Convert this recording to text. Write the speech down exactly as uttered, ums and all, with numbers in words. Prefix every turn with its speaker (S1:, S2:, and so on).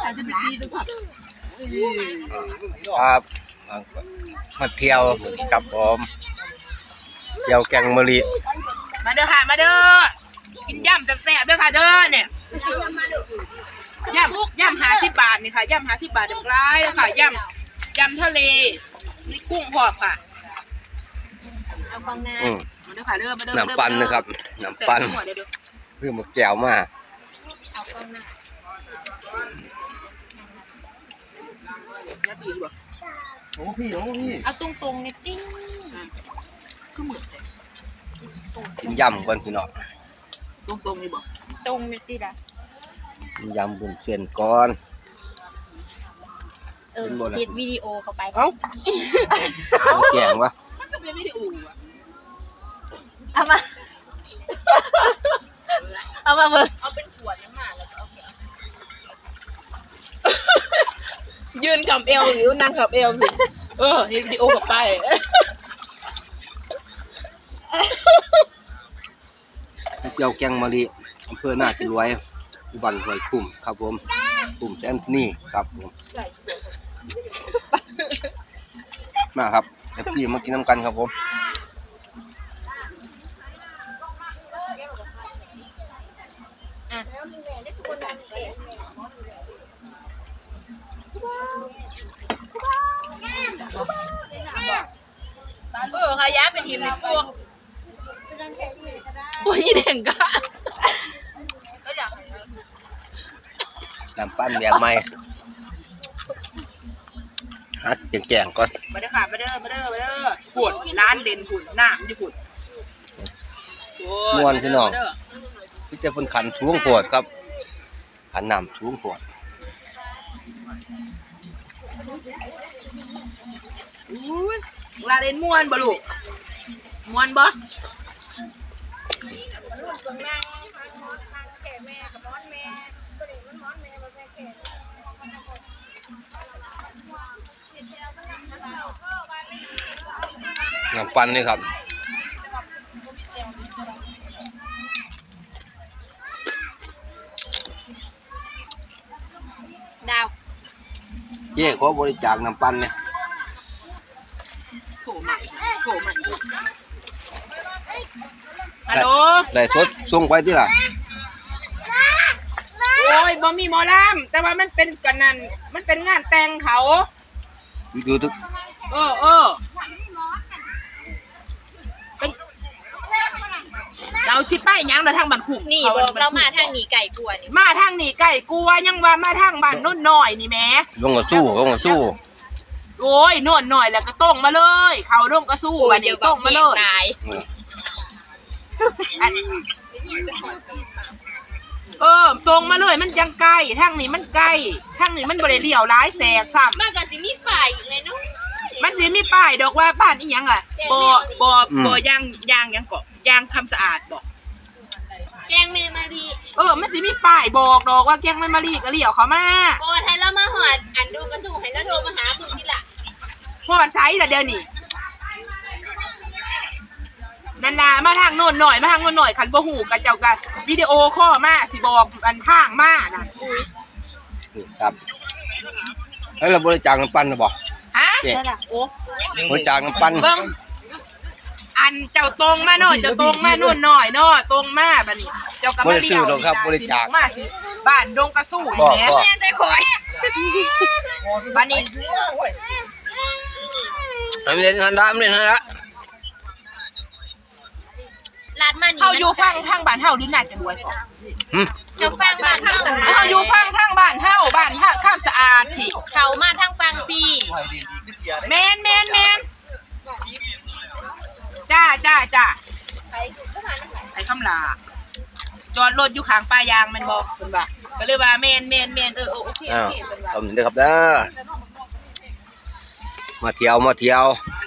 S1: ครับมาเที่ยวกับผมเที่ยวแกงมะลิ
S2: มาเด้อค่ะมาเด้อกินย่ำแซ่บๆเด้อค่ะเด้อเนี่ยย่ำย่ำหาสิบบาทนี่ค่ะย่ำหาสิบบาทเด็กร้ายแล้วค่ะย่ำย่ำทะเลมีกุ้งหอบค่ะเอาฟองน้ำมาเด้อค่ะเด้อมาเด้อ
S1: น้ำปั้นนะครับน้ำปั้นเพื่อมาแก้วมา
S2: เอาฟองน้ำแล้วพี่บอก
S1: โอ้พี่โอ้พี่
S2: เอาตรงๆในติ้งคือเหมือน
S1: กินยำก่อนพี่น้อง
S2: ตรงๆนี่บอกตรงในติ้งอะ
S1: กินยำบุญเส้นก่อน
S2: เออปิดวิดีโอเข้าไป
S1: เอ้าแกงวะ
S2: มันก็เป็นวิดีโออะเอามาเอามาเบิร์เอาเป็นขวดน้ำมันแล้วก็เอายืนกับเอวหรือนั่งกับเอวสิเออวิดีโอกับไป
S1: เที่ยวแกงมะลิอำเภอหน้าจิรวยอุบันห้วยคุ้มครับผมคุ้มแซนนี่ครับผมมาครับเอฟซีมากินน้ำกันครับผม
S2: เออค่ะย้ายเป็นทีมในพวกตัวยี่เด่งกะ
S1: น้ำปั้นแบบใหม่ฮัดแกงก่อน
S2: มาเด้อค่ะมาเด้อมาเด้อมาเด้อผุดร้านเด่นผุดหน้ามันจะผุด
S1: ม้วนพี่น้องพี่จะเป็นขันทุ่งปวดครับขันน้ำทุ่งปวด
S2: ลาเล่นม้วนบ่ลูกม้วนบ่
S1: น้ำปั้นนี่ครับ
S2: ดาว
S1: เย่ขอบริจาคน้ำปั้นเนี่ย
S2: โผล่ใหม่โผล่ใหม่ฮัลโหล
S1: ได้สดส่งไปที่ไหน
S2: โอ้ยบ่มีหมอลำแต่ว่ามันเป็นกันนั่นมันเป็นงานแต่งเขา
S1: ดูทุก
S2: เออเออเราชิดป้ายยังเราทางบ้านคุ้ม
S3: นี่บอกเรามาทางหนีไก่กลัวนี่
S2: มาทางหนีไก่กลัวยังว่ามาทางบ้านโน่นหน่อยนี่แม่
S1: ลงกับสู้ลงกับสู้
S2: โอ้ยโน่นหน่อยแล้วก็ต้งมาเลยเขาลงก็สู้วันนี้ต้งมาเลยเออตรงมาเลยมันยังไกลทางนี้มันไกลทางนี้มันบริเลี่ยวร้ายแสกซ้ำ
S3: มันก็สิมีป้ายเลยเนาะ
S2: มันสิมีป้ายดอกว่าบ้านอีหยังอ่ะบ่บ่บ่ย่างย่างยังเกาะย่างคำสะอาดบอก
S3: แกงเมมารี
S2: เออมันสิมีป้ายบอกดอกว่าแกงเมมารีก็เลี่ยวเขามา
S3: โอ้ให้เรามาหอดอันดูกระถูให้เราโทรมาหามึงนี่ล่ะ
S2: หอดไซส์ละเดี๋ยวนี้นันนามาทางโน่นหน่อยมาทางโน่นหน่อยขันบ่หูกับเจ้ากันวิดีโอข้อมาสิบอกอันทางมาน่ะ
S1: ครับแล้วเราบริจาคน้ำปั้นหรือเปล่า
S2: ฮะโอ้
S1: บริจาคน้ำปั้น
S2: เบิ้งอันเจ้าตรงมาหน่อยเจ้าตรงมาโน่นหน่อยเนาะตรงมาบัดนี้เจ้ากำลังเลี้ยว
S1: ครับบริจาค
S2: มาสิบ้านดงกระสู้แหมแม่ใจข่อยบัดนี้
S1: ทำเล่นทันละเล่นทันละ
S3: ลาดมัน
S2: เขาอยู่ฟังทางบ้านเฮาดิน่าจะรวยก่อน
S3: เจ้าฟังบ้านเฮา
S2: เขาอยู่ฟังทางบ้านเฮาบ้านทางข้ามสะอาดพี่
S3: เขามาทางฟังพี่
S2: แมนแมนแมนจ้าจ้าจ้าไปคำลาจอดรถอยู่ข้างป้ายางมันบอกคุณบ่าก็เลยว่าแมนแมนแมนเออโอเคโอเค
S1: ผมเด้อครับเด้อมาเที่ยวมาเที่ยว